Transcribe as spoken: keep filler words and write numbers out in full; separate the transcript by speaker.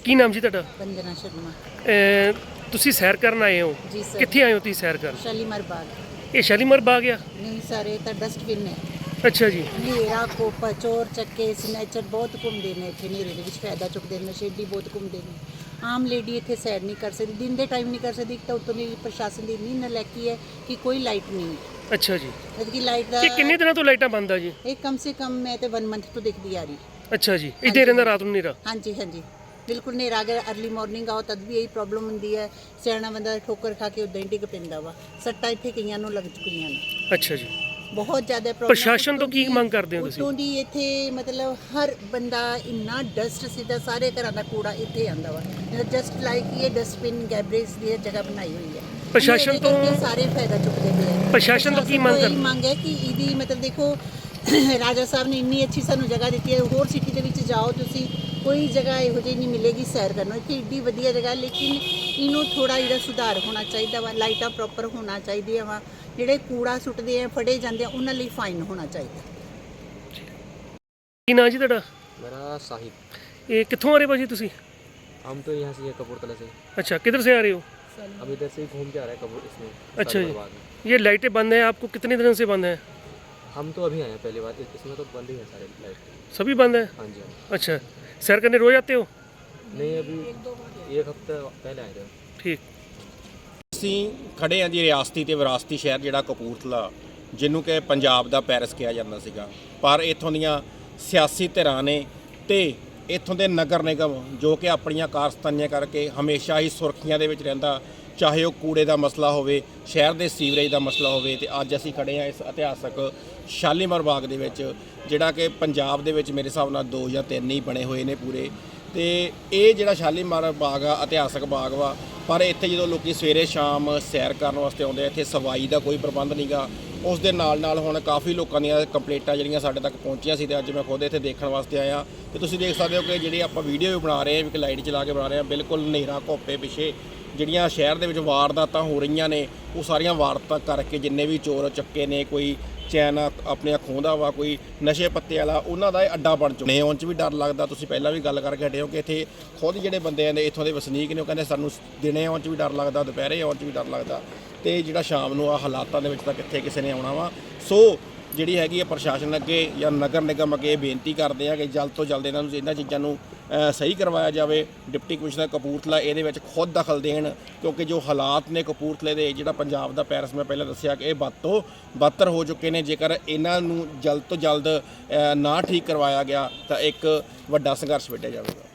Speaker 1: ਕੀ ਨਾਮ ਜੀ ਤੁਹਾਡਾ?
Speaker 2: वंदना शर्मा।
Speaker 1: ਅਹ ਤੁਸੀਂ ਸੈਰ ਕਰਨ ਆਏ ਹੋ?
Speaker 2: जी सर।
Speaker 1: ਕਿੱਥੇ ਆਏ ਹੋ ਤੁਸੀਂ ਸੈਰ ਕਰਨ?
Speaker 2: शालीमार बाग।
Speaker 1: ਇਹ ਸ਼ਾਲੀਮਾਰ ਬਾਗ ਆ?
Speaker 2: नहीं सारे तो डस्टबिन है।
Speaker 1: ਅੱਛਾ ਜੀ।
Speaker 2: ਹਨੇਰਾ ਕੋਪ ਚੋਰ ਚੱਕੇ ਸਨੈਚਰ ਬਹੁਤ ਘੁੰਮਦੇ ਨੇ ਇੱਥੇ, ਹਨੇਰੇ ਦੇ ਵਿੱਚ ਫਾਇਦਾ ਚੁੱਕਦੇ ਨੇ, ਨਸ਼ੇੜੀ ਬਹੁਤ ਘੁੰਮਦੇ ਨੇ। ਆਮ ਲੇਡੀ ਇੱਥੇ ਸੈਰ ਨਹੀਂ ਕਰ ਸਕਦੀ, ਦਿਨ ਦੇ ਟਾਈਮ ਨਹੀਂ ਕਰ ਸਕਦੀ। ਇੱਕ ਤਾਂ ਉੱਤੋਂ ਦੀ ਪ੍ਰਸ਼ਾਸਨ ਦੀ ਇੰਨੀ ਨਲਾਇਕੀ ਹੈ ਕਿ ਕੋਈ ਲਾਈਟ ਨਹੀਂ ਹੈ।
Speaker 1: ਅੱਛਾ ਜੀ।
Speaker 2: ਜਦ ਕਿ ਲਾਈਟ ਦਾ
Speaker 1: ਇਹ ਕਿੰਨੇ ਦਿਨਾਂ ਤੋਂ ਲਾਈਟਾਂ ਬੰਦ ਆ ਜੀ?
Speaker 2: ਇਹ ਕਮ ਸੇ ਕਮ ਮੈਂ ਤੇ ਵਨ ਮੰਥ ਤੋਂ ਦੇਖਦੀ ਆ ਰਹੀ।
Speaker 1: ਅੱਛਾ ਜੀ। ਇੱਥੇ ਰਹਿੰਦਾ ਰਾਤ ਨੂੰ ਹਨੇਰਾ?
Speaker 2: ਹਾਂਜੀ ਹਾਂਜੀ ਬਿਲਕੁਲ ਹਨੇਰਾ। ਅਗਰ ਅਰਲੀ ਮਾਰਨਿੰਗ ਆਓ ਤਦ ਵੀ ਇਹੀ ਪ੍ਰੋਬਲਮ ਹੁੰਦੀ ਹੈ। ਸਿਆਣਾ ਬੰਦਾ ਠੋਕਰ ਖਾ ਕੇ ਉੱਦਾਂ ਹੀ ਡਿੱਗ ਪੈਂਦਾ ਵਾ। ਸੱਟਾਂ ਇੱਥੇ ਕਈਆਂ ਨੂੰ ਲੱਗ ਚੁੱਕੀਆਂ ਨੇ।
Speaker 1: ਅੱਛਾ ਜੀ।
Speaker 2: ਬਹੁਤ ਜ਼ਿਆਦਾ ਪ੍ਰੋਬਲਮ।
Speaker 1: ਪ੍ਰਸ਼ਾਸਨ ਤੋਂ ਕੀ ਮੰਗ ਕਰਦੇ ਹੋ ਤੁਸੀਂ?
Speaker 2: ਉੱਤੋਂ ਦੀ ਇੱਥੇ ਮਤਲਬ ਹਰ ਬੰਦਾ ਇੰਨਾ ਡਸਟ ਸਿੱਧਾ ਸਾਰੇ ਘਰਾਂ ਦਾ ਕੂੜਾ ਇੱਥੇ ਆਂਦਾ ਵਾ। ਜਸਟ ਲਾਈਕ ਇਹ ਡਸਟਬਿਨ ਗੈਬਰੇਜ ਦੀ ਜਗ੍ਹਾ ਬਣਾਈ ਹੋਈ ਹੈ।
Speaker 1: ਪ੍ਰਸ਼ਾਸਨ ਤੋਂ
Speaker 2: ਸਾਰੇ ਫਾਇਦਾ ਚੁੱਕਦੇ ਪਏ ਆ।
Speaker 1: ਪ੍ਰਸ਼ਾਸਨ ਤੋਂ ਕੀ ਮੰਗ
Speaker 2: ਕਰਦੇ? ਮੰਗ ਹੈ ਕਿ ਇਹਦੀ ਮਤਲਬ ਦੇਖੋ ਰਾਜਾ ਸਾਹਿਬ ਨੇ ਇੰਨੀ ਅੱਛੀ ਸਾਨੂੰ ਜਗ੍ਹਾ ਦਿੱਤੀ ਹੈ। ਹੋਰ ਸਿਟੀ ਦੇ ਵਿੱਚ ਜਾਓ ਤੁਸੀਂ, ਕੋਈ ਜਗ੍ਹਾ ਇਹੋ ਜਿਹੀ ਨਹੀਂ ਮਿਲੇਗੀ ਸੈਰ ਕਰਨ ਨੂੰ। ਇੱਥੇ ਏਡੀ ਵਧੀਆ ਜਗ੍ਹਾ, ਲੇਕਿਨ ਇਹਨੂੰ ਥੋੜਾ ਜਿਹੜਾ ਸੁਧਾਰ ਹੋਣਾ ਚਾਹੀਦਾ ਵਾ। ਲਾਈਟਾਂ ਪ੍ਰੋਪਰ ਹੋਣਾ ਚਾਹੀਦੀਆਂ ਵਾ। ਜਿਹੜੇ ਕੂੜਾ ਸੁੱਟਦੇ ਆ ਫੜੇ ਜਾਂਦੇ ਆ ਉਹਨਾਂ ਲਈ ਫਾਈਨ ਹੋਣਾ ਚਾਹੀਦਾ।
Speaker 1: ਕੀ ਨਾਂ ਜੀ ਤੁਹਾਡਾ?
Speaker 3: मेरा साहिब।
Speaker 1: ਇਹ ਕਿੱਥੋਂ ਆ ਰਹੇ ਭਾਜੀ ਤੁਸੀਂ?
Speaker 3: हम तो यहाँ से ये कपूरथला से
Speaker 1: अच्छा, किधर से आ रहे हो?
Speaker 3: अब इधर से ही घूम के आ रहे हैं कपूर इसमें।
Speaker 1: अच्छा
Speaker 3: शालीमार
Speaker 1: जी।
Speaker 3: बाग में।
Speaker 1: ये लाइटें बंद हैं, आपको कितने दिन से बंद हैं?
Speaker 3: हम तो अभी आए हैं पहली बार, इसमें तो बंद ही है सारे लाइट।
Speaker 1: सभी बंद हैं?
Speaker 3: हाँ जी हाँ।
Speaker 1: अच्छा, सैर करने रोज आते हो?
Speaker 3: नहीं अभी एक हफ्ता पहले आए थे।
Speaker 1: ठीक।
Speaker 4: ਅਸੀਂ ਖੜੇ ਹਾਂ ਜੀ ਰਿਆਸਤੀ ਤੇ ਵਿਰਾਸਤੀ ਸ਼ਹਿਰ ਜਿਹੜਾ ਕਪੂਰਥਲਾ, ਜਿਹਨੂੰ ਕਿ ਪੰਜਾਬ ਦਾ ਪੈਰਿਸ ਕਿਹਾ ਜਾਂਦਾ ਸੀਗਾ। ਪਰ ਇੱਥੋਂ ਦੀਆਂ ਸਿਆਸੀ ਧਿਰਾਂ ਨੇ ਤੇ ਇੱਥੋਂ ਦੇ ਨਗਰ ਨਿਗਮ ਜੋ ਕਿ ਆਪਣੀਆਂ ਕਾਰਸਤਾਨੀਆਂ ਕਰਕੇ ਹਮੇਸ਼ਾ ਹੀ ਸੁਰਖੀਆਂ ਦੇ ਵਿੱਚ ਰਹਿੰਦਾ, ਚਾਹੇ ਉਹ ਕੂੜੇ ਦਾ ਮਸਲਾ ਹੋਵੇ, ਸ਼ਹਿਰ ਦੇ ਸੀਵਰੇਜ ਦਾ ਮਸਲਾ ਹੋਵੇ। ਤੇ ਅੱਜ ਅਸੀਂ ਖੜੇ ਹਾਂ ਇਸ ਇਤਿਹਾਸਕ ਸ਼ਾਲੀਮਾਰ ਬਾਗ ਦੇ ਵਿੱਚ, ਜਿਹੜਾ ਕਿ ਪੰਜਾਬ ਦੇ ਵਿੱਚ ਮੇਰੇ ਹਿਸਾਬ ਨਾਲ ਦੋ ਜਾਂ ਤਿੰਨ ਹੀ ਬਣੇ ਹੋਏ ਨੇ ਪੂਰੇ। ਤੇ ਇਹ ਜਿਹੜਾ ਸ਼ਾਲੀਮਾਰ ਬਾਗ ਆ ਇਤਿਹਾਸਕ ਬਾਗ ਵਾ, ਪਰ ਇੱਥੇ ਜਦੋਂ ਲੋਕੀ ਸਵੇਰੇ ਸ਼ਾਮ ਸੈਰ ਕਰਨ ਵਾਸਤੇ ਆਉਂਦੇ ਆ, ਇੱਥੇ ਸਫਾਈ ਦਾ ਕੋਈ ਪ੍ਰਬੰਧ ਨਹੀਂਗਾ। ਉਸ ਦੇ ਨਾਲ ਨਾਲ ਹੁਣ ਕਾਫੀ ਲੋਕਾਂ ਦੀਆਂ ਕੰਪਲੇਂਟਾਂ ਜਿਹੜੀਆਂ ਸਾਡੇ ਤੱਕ ਪਹੁੰਚੀਆਂ ਸੀ ਤੇ ਅੱਜ ਮੈਂ ਖੁਦ ਇੱਥੇ ਦੇਖਣ ਵਾਸਤੇ ਆਇਆ। ਤੇ ਤੁਸੀਂ ਦੇਖ ਸਕਦੇ ਹੋ ਕਿ ਜਿਹੜੀ ਆਪਾਂ ਵੀਡੀਓ ਵੀ ਬਣਾ ਰਹੇ ਹਾਂ, ਇੱਕ ਲਾਈਟ ਚਲਾ ਕੇ ਬਣਾ ਰਹੇ ਹਾਂ, ਬਿਲਕੁਲ ਹਨੇਰਾ ਘੋਪੇ ਪਿੱਛੇ ਜਿਹੜੀਆਂ ਸ਼ਹਿਰ ਦੇ ਵਿੱਚ ਵਾਰਦਾਤਾਂ ਹੋ ਰਹੀਆਂ ਨੇ, ਉਹ ਸਾਰੀਆਂ ਵਾਰਦਾਤਾਂ ਕਰਕੇ ਜਿੰਨੇ ਵੀ ਚੋਰ ਚੱਕੇ ਨੇ, ਕੋਈ ਚੈਨ ਆਪਣੀਆਂ ਖੋਹਦਾ ਵਾ, ਕੋਈ ਨਸ਼ੇ ਪੱਤੇ ਵਾਲਾ, ਉਹਨਾਂ ਦਾ ਇਹ ਅੱਡਾ ਬਣ ਚੁੱਕਾ। ਨੇ ਆਉਣ 'ਚ ਵੀ ਡਰ ਲੱਗਦਾ। ਤੁਸੀਂ ਪਹਿਲਾਂ ਵੀ ਗੱਲ ਕਰਕੇ ਹਟੇ ਹੋ ਕਿ ਇੱਥੇ ਖੁਦ ਜਿਹੜੇ ਬੰਦੇ ਨੇ ਇੱਥੋਂ ਦੇ ਵਸਨੀਕ ਨੇ, ਉਹ ਕਹਿੰਦੇ ਸਾਨੂੰ ਦਿਨੇ ਆਉਣ 'ਚ ਵੀ ਡਰ ਲੱਗਦਾ, ਦੁਪਹਿਰੇ ਆਉਣ 'ਚ ਵੀ ਡਰ ਲੱਗਦਾ, ਤੇ ਜਿਹੜਾ ਸ਼ਾਮ ਨੂੰ ਆ ਹਾਲਾਤਾਂ ਦੇ ਵਿੱਚ ਤਾਂ ਕਿੱਥੇ ਕਿਸੇ ਨੇ ਆਉਣਾ ਵਾ। ਸੋ ਜਿਹੜੀ ਹੈਗੀ ਹੈ ਪ੍ਰਸ਼ਾਸਨ ਅੱਗੇ ਜਾਂ ਨਗਰ ਨਿਗਮ ਅੱਗੇ ਬੇਨਤੀ ਕਰਦੇ ਆ ਕਿ ਜਲਦ ਤੋਂ ਜਲਦ ਇਹਨਾਂ ਨੂੰ ਇਹਨਾਂ ਚੀਜ਼ਾਂ ਨੂੰ ਸਹੀ ਕਰਵਾਇਆ ਜਾਵੇ। ਡਿਪਟੀ ਕਮਿਸ਼ਨਰ ਕਪੂਰਥਲਾ ਇਹਦੇ ਵਿੱਚ ਖੁਦ ਦਖਲ ਦੇਣ, ਕਿਉਂਕਿ ਜੋ ਹਾਲਾਤ ਨੇ ਕਪੂਰਥਲੇ ਦੇ, ਜਿਹੜਾ ਪੰਜਾਬ ਦਾ ਪੈਰਿਸ ਮੈਂ ਪਹਿਲਾਂ ਦੱਸਿਆ ਕਿ ਇਹ ਵੱਧ ਤੋਂ ਬਦਤਰ ਹੋ ਚੁੱਕੇ ਨੇ। ਜੇਕਰ ਇਹਨਾਂ ਨੂੰ ਜਲਦ ਤੋਂ ਜਲਦ ਨਾ ਠੀਕ ਕਰਵਾਇਆ ਗਿਆ ਤਾਂ ਇੱਕ ਵੱਡਾ ਸੰਘਰਸ਼ ਵਿੱਢਿਆ ਜਾਵੇਗਾ।